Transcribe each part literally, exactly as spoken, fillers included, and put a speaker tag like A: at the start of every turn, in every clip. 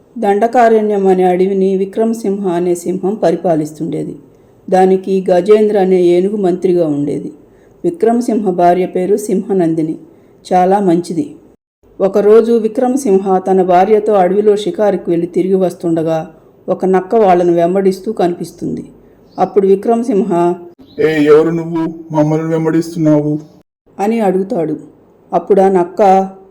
A: దండకారణ్యం అనే అడవిని విక్రమసింహ అనే సింహం పరిపాలిస్తుండేది. దానికి గజేంద్ర అనే ఏనుగు మంత్రిగా ఉండేది. విక్రమసింహ భార్య పేరు సింహనందిని. చాలా మంచిది. ఒకరోజు విక్రమసింహ తన భార్యతో అడవిలో షికారుకి వెళ్ళి తిరిగి వస్తుండగా ఒక నక్క వాళ్లను వెంబడిస్తూ కనిపిస్తుంది. అప్పుడు విక్రమసింహ,
B: ఏ ఎవరు నువ్వు మమ్మల్ని వెంబడిస్తున్నావు
A: అని అడుగుతాడు. అప్పుడు ఆ నక్క,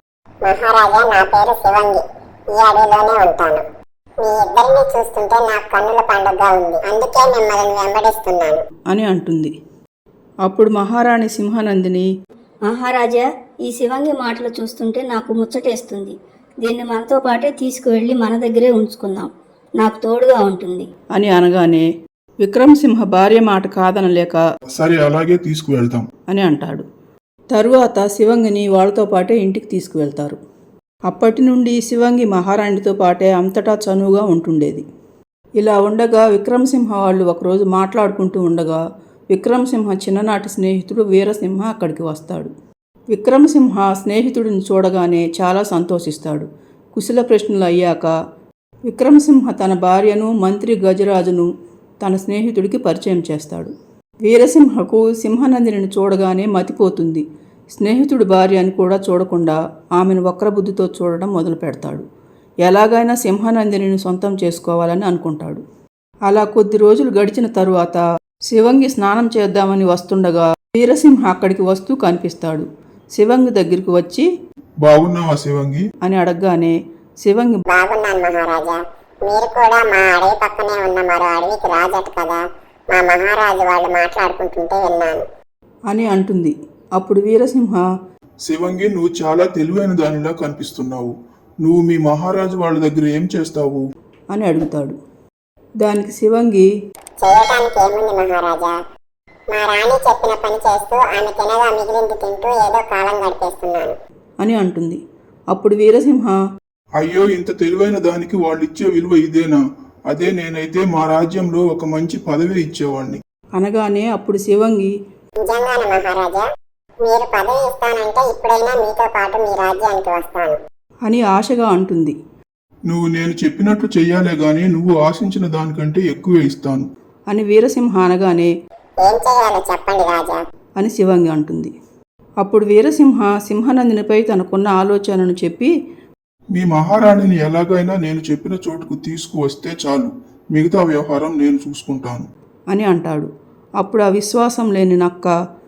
C: మహారాజా, నా పేరు శివంగి, ఈ అడవిలోనే ఉంటాను. మీ ఇద్దరిని చూస్తుంటే నాకు కన్నుల పండుగగా ఉంది, అందుకే మిమ్మల్ని వెంబడిస్తున్నాను
A: అని అంటుంది. అప్పుడు మహారాణి సింహనందిని,
D: మహారాజా, ఈ శివంగి మాటలు చూస్తుంటే నాకు ముచ్చటేస్తుంది. దీన్ని మనతో పాటే తీసుకువెళ్ళి మన దగ్గరే ఉంచుకుందాం, నాకు తోడుగా ఉంటుంది
A: అని అనగానే విక్రమసింహ భార్య మాట కాదనలేక
B: సరే అలాగే తీసుకువెళ్తాం
A: అని అంటాడు. తరువాత శివంగిని వాళ్ళతో పాటే ఇంటికి తీసుకువెళ్తారు. అప్పటి నుండి శివంగి మహారాణితో పాటే అంతటా చనువుగా ఉంటుండేది. ఇలా ఉండగా విక్రమసింహ వాళ్ళు ఒకరోజు మాట్లాడుకుంటూ ఉండగా విక్రమసింహ చిన్ననాటి స్నేహితుడు వీరసింహ అక్కడికి వస్తాడు. విక్రమసింహ స్నేహితుడిని చూడగానే చాలా సంతోషిస్తాడు. కుశల ప్రశ్నలు అయ్యాక విక్రమసింహ తన భార్యను మంత్రి గజరాజును తన స్నేహితుడికి పరిచయం చేస్తాడు. వీరసింహకు సింహనందిని చూడగానే మతిపోతుంది. స్నేహితుడి భార్య అని కూడా చూడకుండా ఆమెను వక్రబుద్ధితో చూడడం మొదలు పెడతాడు. ఎలాగైనా సింహనందిని సొంతం చేసుకోవాలని అనుకుంటాడు. అలా కొద్ది రోజులు గడిచిన తరువాత శివంగి స్నానం చేద్దామని వస్తుండగా వీరసింహ అక్కడికి వస్తూ కనిపిస్తాడు. శివంగి దగ్గరికి వచ్చి,
B: బాగున్నావా శివంగి
A: అని అడగగానే శివంగి,
C: బాగున్నాను మహారాజా, మీరు కూడా మా అడవి పక్కనే ఉన్న మరో అడవికి రాజట కదా, మా మహారాజు వాళ్ళు మాట్లాడుకుంటుంటే విన్నాను
A: అని అంటుంది. అప్పుడు వీరసింహ,
B: శివంగి నువ్వు చాలా తెలివైన దానిలా కనిపిస్తున్నావు. నువ్వు మీ మహారాజు వాళ్ళ దగ్గర ఏం చేస్తావు
A: అని అడుగుతాడు. దానికి శివంగి,
C: చేయటానికి ఏముంది మహారాజా, మా రాణి చెప్పిన పని చేస్తూ ఆమె తినగా మిగిలింది తింటూ ఏదో కాలం గడిపేస్తున్నాను
A: అని అంటుంది. అప్పుడు వీరసింహ,
B: అయ్యో, ఇంత తెలివైన దానికి వాళ్ళు ఇచ్చే విలువ ఇదేనా? అదే నేనైతే మా రాజ్యంలో ఒక మంచి పదవి ఇచ్చేవాడిని
A: అనగానే అప్పుడు శివంగి,
C: నిజంగానే మహారాజా, మీరు పదవి ఇస్తానంటే ఇప్పుడైనా మీతో పాటు మీ రాజ్యానికి వస్తాను
A: అని ఆశగా అంటుంది.
B: నువ్వు నేను చెప్పినట్లు చెయ్యాలే గాని నువ్వు ఆశించిన దానికంటే ఎక్కువే ఇస్తాను
A: అని వీరసింహ అనగానే,
C: ఏం చేయాలో చెప్పండి రాజా
A: అని శివంగి అంటుంది. అప్పుడు వీరసింహ సింహనందినిపై తనకున్న ఆలోచనను చెప్పి,
B: మీ మహారాణిని ఎలాగైనా నేను చెప్పిన చోటుకు తీసుకువస్తే చాలు, మిగతా వ్యవహారం నేను చూసుకుంటాను
A: అని అంటాడు. అప్పుడు ఆ విశ్వాసం లేని నక్క,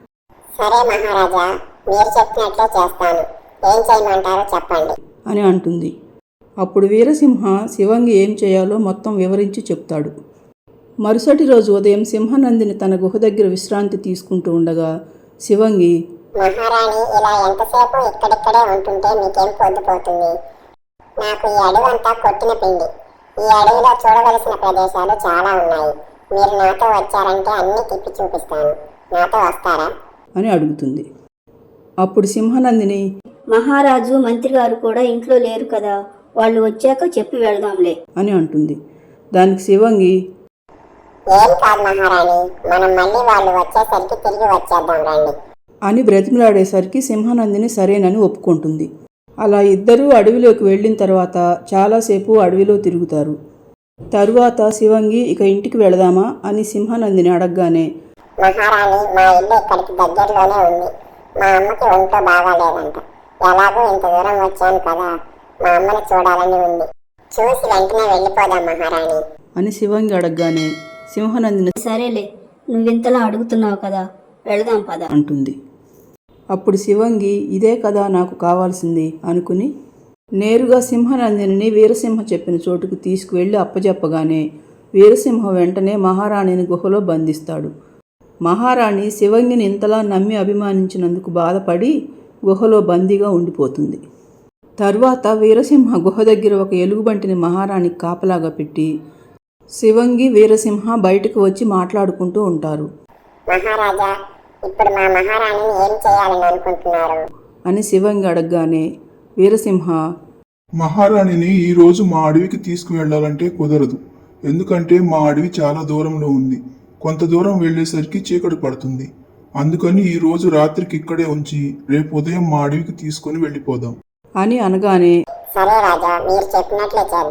C: సరే మహారాజా, మీరు చెప్పినట్లే చేస్తాను, ఏం చేయమంటారో చెప్పండి
A: అని అంటుంది. అప్పుడు వీరసింహ శివంగి ఏం చేయాలో మొత్తం వివరించి చెప్తాడు. మరుసటి రోజు ఉదయం సింహనందిని తన గుహ దగ్గర విశ్రాంతి తీసుకుంటూ ఉండగా శివంగి,
C: మహారాణి ఇలా ఎంతసేపు ఇక్కడిక్కడే ఉంటుంటే మీకేం పొద్దుపోతుంది? నాకు ఈ అడవంతా కొట్టిన పిండి. ఈ అడవిలో చూడవలసిన ప్రదేశాలు చాలా ఉన్నాయి. మీరు నాతో వచ్చారంటే అన్ని తిప్పి చూపిస్తాను. నాతో వస్తారా
A: అని అడుగుతుంది. అప్పుడు సింహనందిని,
D: మహారాజు మంత్రి గారు కూడా ఇంట్లో లేరు కదా, వాళ్ళు వచ్చాక చెప్పి వెళదాంలే
A: అని అంటుంది. దానికి శివంగి,
C: ఏం కాదు మహారాణి, మనం మళ్ళీ వాళ్ళు వచ్చేసరికి తిరిగి వచ్చేద్దాం రండి
A: అని బ్రతిమలాడేసరికి సింహనందిని సరేనని ఒప్పుకుంటుంది. అలా ఇద్దరూ అడవిలోకి వెళ్ళిన తర్వాత చాలాసేపు అడవిలో తిరుగుతారు. తరువాత శివంగి, ఇక ఇంటికి వెళదామా అని సింహనందిని అడగగానే,
C: మహారాణి, మా ఇల్లు ఇక్కడికి దగ్గరలోనే ఉంది. మా అమ్మకి ఒంట్లో బాగాలేదంట. ఎలాగో ఇంత దూరం వచ్చాను కదా, మా అమ్మని చూడాలని ఉంది. చూసి వెంటనే వెళ్ళిపోదాం మహారాణి
A: అని శివంగి అడగగానే సింహనందిని
D: సరేలే, నువ్వింతలా అడుగుతున్నావు కదా, వెళదాం పద
A: అంటుంది. అప్పుడు శివంగి, ఇదే కదా నాకు కావాల్సింది అనుకుని నేరుగా సింహనందిని వీరసింహ చెప్పిన చోటుకు తీసుకువెళ్ళి అప్పజెప్పగానే వీరసింహ వెంటనే మహారాణిని గుహలో బంధిస్తాడు. మహారాణి శివంగిని ఇంతలా నమ్మి అభిమానించినందుకు బాధపడి గుహలో బందీగా ఉండిపోతుంది. తరువాత వీరసింహ గుహ దగ్గర ఒక ఎలుగుబంటిని మహారాణికి కాపలాగా పెట్టి శివంగి వీరసింహ బయటకు వచ్చి మాట్లాడుకుంటూ ఉంటారు.
C: మహారాజా, ఇప్పుడు మా మహారాణిని ఏం చేయాలని అనుకుంటున్నారు
A: అని శివంగి అడగగానే వీరసింహ,
B: మహారాణిని ఈ రోజు మా అడవికి తీసుకువెళ్లాలంటే కుదరదు. ఎందుకంటే మా అడవి చాలా దూరంలో ఉంది. కొంత దూరం వెళ్లేసరికి చీకటి పడుతుంది. అందుకని ఈ రోజు రాత్రికి ఇక్కడే ఉంచి రేపు ఉదయం మా అడవికి తీసుకుని వెళ్ళిపోదాం
A: అని అనగానే
C: సరే రాజా, మీరు చెప్పినట్లే చేద్దాం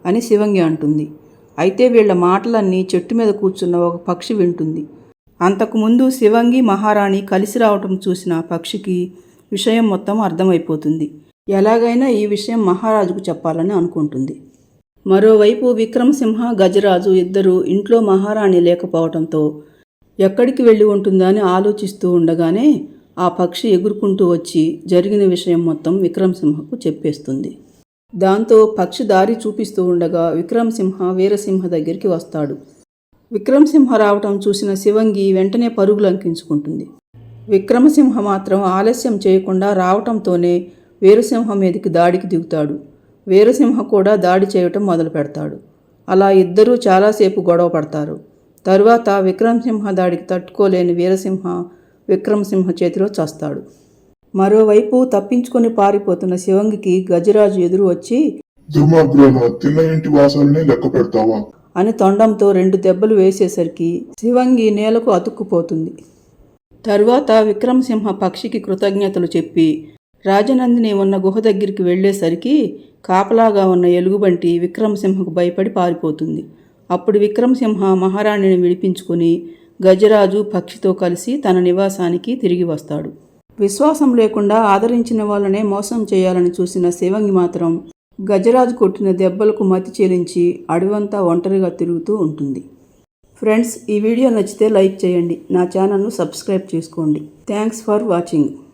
A: అని శివంగి అంటుంది. అయితే వీళ్ళ మాటలన్నీ చెట్టు మీద కూర్చున్న ఒక పక్షి వింటుంది. అంతకుముందు శివంగి మహారాణి కలిసి రావటం చూసిన పక్షికి విషయం మొత్తం అర్థమైపోతుంది. ఎలాగైనా ఈ విషయం మహారాజుకు చెప్పాలని అనుకుంటుంది. మరోవైపు విక్రమసింహ గజరాజు ఇద్దరూ ఇంట్లో మహారాణి లేకపోవడంతో ఎక్కడికి వెళ్ళి ఉంటుందా అని ఆలోచిస్తూ ఉండగానే ఆ పక్షి ఎగురుకుంటూ వచ్చి జరిగిన విషయం మొత్తం విక్రమసింహకు చెప్పేస్తుంది. దాంతో పక్షి దారి చూపిస్తూ ఉండగా విక్రమసింహ వీరసింహ దగ్గరికి వస్తాడు. విక్రమసింహ రావటం చూసిన శివంగి వెంటనే పరుగులు అంకించుకుంటుంది. విక్రమసింహ మాత్రం ఆలస్యం చేయకుండా రావటంతోనే వీరసింహ మీదకి దాడికి దిగుతాడు. వీరసింహ కూడా దాడి చేయటం మొదలు పెడతాడు. అలా ఇద్దరూ చాలాసేపు గొడవ పడతారు. తరువాత విక్రమసింహ దాడికి తట్టుకోలేని వీరసింహ విక్రమసింహ చేతిలో చస్తాడు. మరోవైపు తప్పించుకొని పారిపోతున్న శివంగికి గజరాజు ఎదురు వచ్చి
B: దుర్మార్గురాలా, తిన్న ఇంటి వాసాలనే లెక్క పెడతావా
A: అని తొండంతో రెండు దెబ్బలు వేసేసరికి శివంగి నేలకు అతుక్కుపోతుంది. తరువాత విక్రమసింహ పక్షికి కృతజ్ఞతలు చెప్పి రాజనందిని ఉన్న గుహ దగ్గరికి వెళ్ళేసరికి కాపలాగా ఉన్న ఎలుగుబంటి విక్రమసింహకు భయపడి పారిపోతుంది. అప్పుడు విక్రమసింహ మహారాణిని విడిపించుకుని గజరాజు పక్షితో కలిసి తన నివాసానికి తిరిగి వస్తాడు. విశ్వాసం లేకుండా ఆదరించిన వాళ్ళనే మోసం చేయాలని చూసిన శివంగి మాత్రం గజరాజు కొట్టిన దెబ్బలకు మతి చెలించి అడవంతా ఒంటరిగా తిరుగుతూ ఉంటుంది. ఫ్రెండ్స్, ఈ వీడియో నచ్చితే లైక్ చేయండి. నా ఛానల్ను సబ్స్క్రైబ్ చేసుకోండి. Thanks for watching.